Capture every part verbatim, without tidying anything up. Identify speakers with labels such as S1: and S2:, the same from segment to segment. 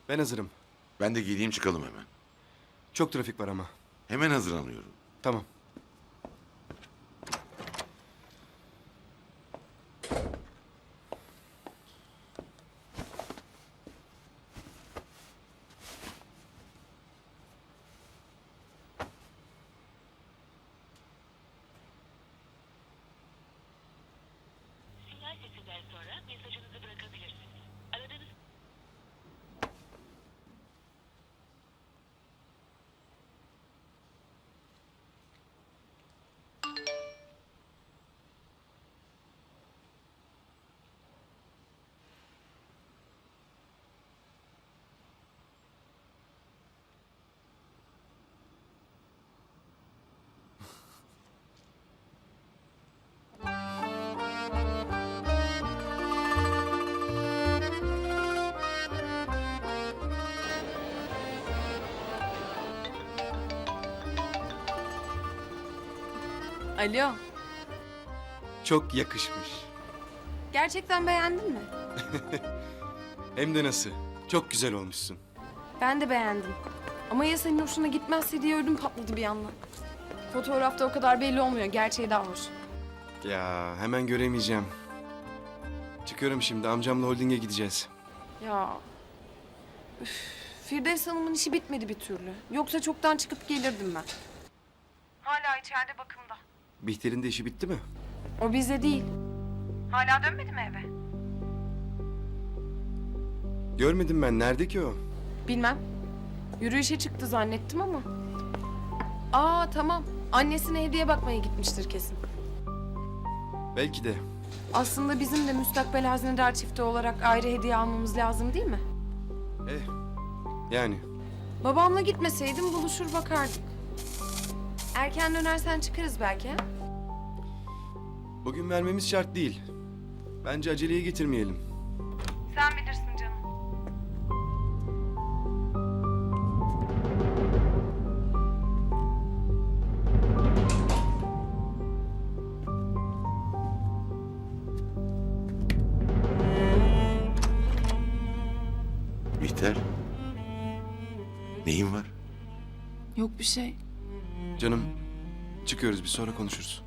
S1: Ben hazırım.
S2: Ben de giyeyim çıkalım hemen.
S1: Çok trafik var ama.
S2: Hemen hazırlanıyorum.
S1: Tamam.
S3: Sinyal sesinden sonra mesajınızı bırakabilirsiniz. Aradığınız
S4: Alo,
S1: Çok yakışmış.
S4: gerçekten beğendin mi?
S1: Hem de nasıl? Çok güzel olmuşsun.
S4: Ben de beğendim. Ama ya senin hoşuna gitmezse diye ödüm patladı bir yandan. Fotoğrafta o kadar belli olmuyor, gerçeği daha hoş.
S1: Ya hemen göremeyeceğim. Çıkıyorum şimdi. Amcamla holdinge gideceğiz.
S4: Ya... Üf, Firdevs Hanım'ın işi bitmedi bir türlü. Yoksa çoktan çıkıp gelirdim ben. Hala içeride bakımda.
S1: Bihter'in de işi bitti mi?
S4: O bize değil. Hala dönmedi mi eve?
S1: Görmedim ben. Nerede ki o?
S4: Bilmem. Yürüyüşe çıktı zannettim ama. Aa tamam. Annesine hediye bakmaya gitmiştir kesin.
S1: Belki de.
S4: Aslında bizim de müstakbel hazinedar çifti olarak ayrı hediye almamız lazım değil mi?
S1: Eh. Yani.
S4: Babamla gitmeseydim buluşur bakardık. Erken dönersen çıkarız belki ha?
S1: Bugün vermemiz şart değil. Bence aceleye getirmeyelim.
S4: Sen bilirsin canım.
S2: Bihter. Neyin var?
S5: Yok bir şey.
S1: Canım. Çıkıyoruz. Bir sonra konuşuruz.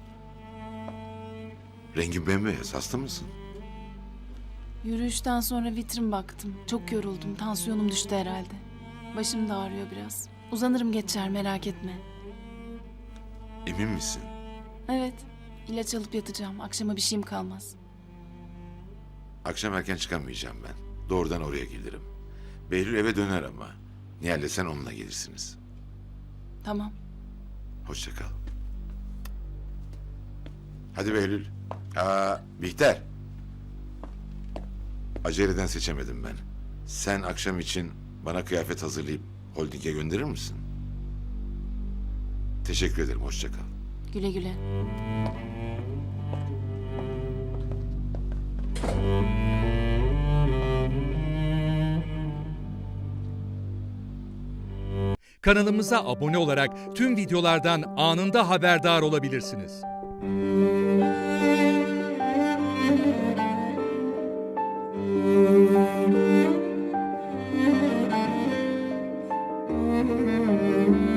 S2: Rengin bembeyaz. Hasta mısın?
S5: Yürüyüşten sonra vitrin baktım. Çok yoruldum. Tansiyonum düştü herhalde. Başım da ağrıyor biraz. Uzanırım geçer merak etme.
S2: Emin misin?
S5: Evet. İlaç alıp yatacağım. Akşama bir şeyim kalmaz.
S2: Akşam erken çıkamayacağım ben. Doğrudan oraya gelirim. Behlül eve döner ama. Nihal'le sen onunla gelirsiniz.
S5: Tamam.
S2: Hoşça kal. Hadi Behlül. Aa, Bihter. Aceleden seçemedim ben. Sen akşam için bana kıyafet hazırlayıp holdinge gönderir misin? Teşekkür ederim. Hoşça kal.
S5: Güle güle.
S6: Kanalımıza abone olarak tüm videolardan anında haberdar olabilirsiniz.
S5: Müzik